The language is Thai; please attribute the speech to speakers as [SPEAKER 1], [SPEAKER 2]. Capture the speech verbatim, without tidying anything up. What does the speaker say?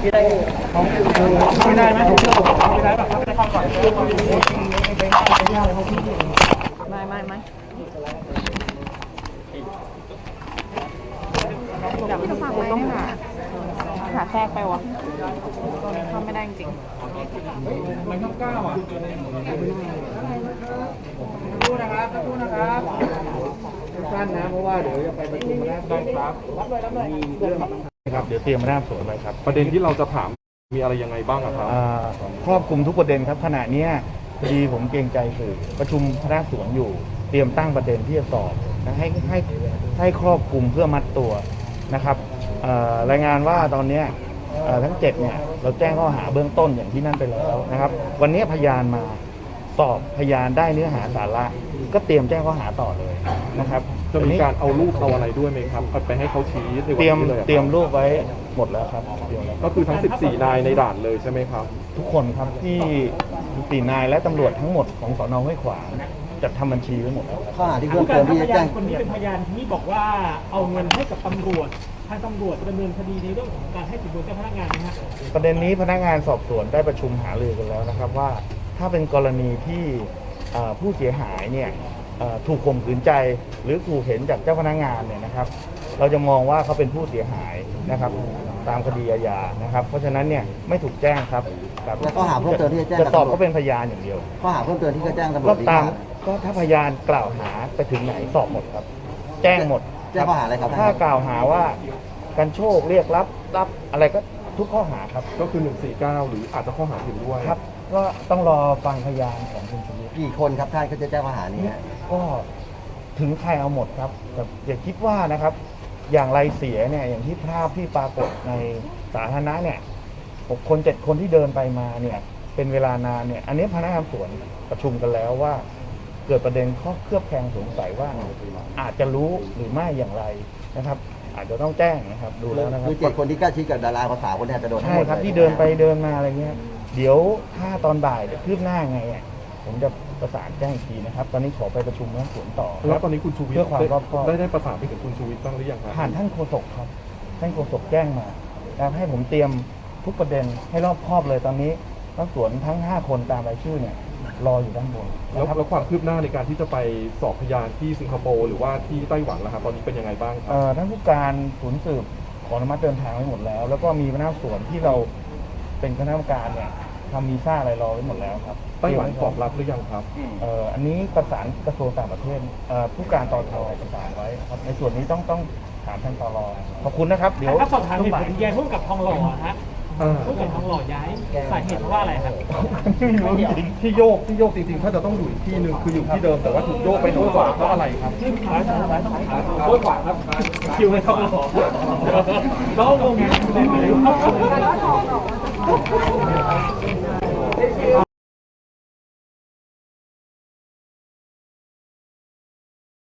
[SPEAKER 1] ไม่ได้ไม่ได้ไหมไม่ได้แบบไม่ได้เข้าก่อน
[SPEAKER 2] ไม่ไม่ไม่อยากไปฟังไหมต้องหาหาแทรกไปวะตรงนี้เข้าไม่ได้จริง
[SPEAKER 1] มันต้องก้าวอ่ะดูนะครับดูนะครับสั้นนะเพราะว่าเดี๋ยวจะไปประชุมนะได้ครับรับเลยรับเลยมีเรื่อง
[SPEAKER 3] ครับเดี๋ยวเตรียมมาหน้าสวนไว้ครับ
[SPEAKER 4] ประเด็นที่เราจะถามมีอะไรยังไงบ้างครับ
[SPEAKER 3] ครอบคลุมทุกประเด็นครับขณะนี้พอดีผมเกรงใจสื่อประชุมพนักสวนอยู่เตรียมตั้งประเด็นที่จะสอบนะให้ให้ให้ครอบคลุมเพื่อมัดตัวนะครับรายงานว่าตอนนี้ทั้งเจ็ดเนี่ยเราแจ้งข้อหาเบื้องต้นอย่างที่นั่นไปแล้วนะครับวันนี้พยานมาสอบพยานได้เนื้อหาสาระก็เตรียมแจ้งข้อหาต่อเลยนะครับ
[SPEAKER 4] จะมีการเอารูปเอาอะไรด้วยไหมครับไปให้เขาชี้ในวัน
[SPEAKER 3] นี้เลยเตรียมรูปไว้หมดแล้วครับ
[SPEAKER 4] ก็คือทั้งสิบสี่นายในด่านเลยใช่ไหมครับ
[SPEAKER 3] ทุกคนครับที่สิบสี่นายและตำรวจทั้งหมดของสน.ห้วยขวางจัดทำบัญชีไว้หมดแล้ว
[SPEAKER 1] ข้อหาที่เพิ่มเติมที่จะแจ้งคนนี้เป็นพยานที่บอกว่าเอาเงินให้กับตำรวจทางตำรวจดำเนินคดีในเรื่องของการให้สินบนเจ้าพนักงานนะฮะ
[SPEAKER 3] ประเด็นนี้พนักงานสอบสวนได้ประชุมหารือกันแล้วนะครับว่าถ้าเป็นกรณีที่ผู้เสียหายเนี่ยถูกข่มขืนใจหรือถูกเห็นจากเจ้าพนักงานเนี่ยนะครับเราจะมองว่าเขาเป็นผู้เสียหายนะครับตามคดีอาญานะครับเพราะฉะนั้นเนี่ยไม่ถูกแจ้งครับ
[SPEAKER 1] แล้วข้อหาเพิ่มเติมที่จะแจ้ง
[SPEAKER 3] จะสอบก็เป็นพยานอย่างเดียว
[SPEAKER 1] ข้อหาเพิ่มเติมที่จะแจ้งตำรวจ
[SPEAKER 3] ก็ตามก็ถ้าพยานกล่าวหาไปถึงไหนสอบหมดครับแจ้งหมด
[SPEAKER 1] แจ้งข้อหาอะไรครับ
[SPEAKER 3] ถ้ากล่าวหาว่าการโชคเรียกรับรับอะไรก็ทุกข้อหาครับ
[SPEAKER 4] ก็คือหนึ่งสี่เก้าหรืออาจจะข้อหาอื่นด้วย
[SPEAKER 3] ครับก็ต้องรอฟังพยานของคุณชูวิทย์
[SPEAKER 1] กี่คนครับท่านเขาจะแจ้งข้อหานี้
[SPEAKER 3] ก็ถึงใครเอาหมดครับแต่อย่าคิดว่านะครับอย่างไรเสียเนี่ยอย่างที่ภาพที่ปรากฏในสาธารณะเนี่ยหกคนเจ็ดคนที่เดินไปมาเนี่ยเป็นเวลานานเนี่ยอันนี้พนักงานสวนประชุมกันแล้วว่าเกิดประเด็นข้อเคลือบแคลงสงสัยว่าอาจจะรู้หรือไม่อย่างไรนะครับอาจจะต้องแจ้งนะครับดูแล้วนะครับ
[SPEAKER 1] คือเจ็ดคนที่ใกล้ชิดกับดาราภาษาคนนี้จะโดน
[SPEAKER 3] ใช่ครับที่เดินไปเดินมาอะไรเงี้ยเดี๋ยวถ้าตอนบ่ายจะคืบหน้าไงผมจะประสานแจ้งทีนะครับตอนนี้ขอไปประชุมนักสวนต่อ
[SPEAKER 4] แล้วตอนนี้คุณชูวิทย์
[SPEAKER 3] เพื่อความรอบคอบ
[SPEAKER 4] ได้ได้ประสานไปถึงคุณชูวิทย์บ้างหรือยังครับ
[SPEAKER 3] ผ่านท่านโฆษกครับท่านโฆษกแจ้งมาแล้วให้ผมเตรียมทุกประเด็นให้รอบคอบเลยตอนนี้นักสวนทั้งห้าคนตามรายชื่อเนี่ยรออยู่ด้านบน
[SPEAKER 4] แล้วแล้วความคืบหน้าในการที่จะไปสอบพยานที่สิงคโปร์หรือว่าที่ไต้หวันนะครับตอนนี้เป็นยังไงบ้างครับ
[SPEAKER 3] ท่านผู้การศูนย์สืบขออนุมัติเดินทางไว้หมดแล้วแล้วก็มีคณะสวนที่เราเป็นคณะกรรมการเนี่ยทำวีซ่าอะไรรอไว้หมดแล้วครับ
[SPEAKER 4] ไต้หวันตอบรับหรือยังครับ
[SPEAKER 3] เอ่ออันนี้ประสานกระทรวงต่างประเทศผู้การตทประสานไว้ครับในส่วนนี้ต้องต้องถามท่านตรขอบคุณนะครับเดี๋ยว
[SPEAKER 1] ถ้าสอบถามเหตุผลแย้งพุ่งกับทองหล่อฮะพุ่งกับทองหล่อย้ายสาเหตุว่าอะไรครับ
[SPEAKER 4] ที่โยกที่โยกจริงๆถ้าจะต้องอยู่อีกที่หนึ่งคืออยู่ที่เดิมแต่ว่าถูกโยกไปโน้นกว่าเพราะอะไรครับ
[SPEAKER 1] โน้นกว่าครับคิวให้ทองหล่อน้องงงไง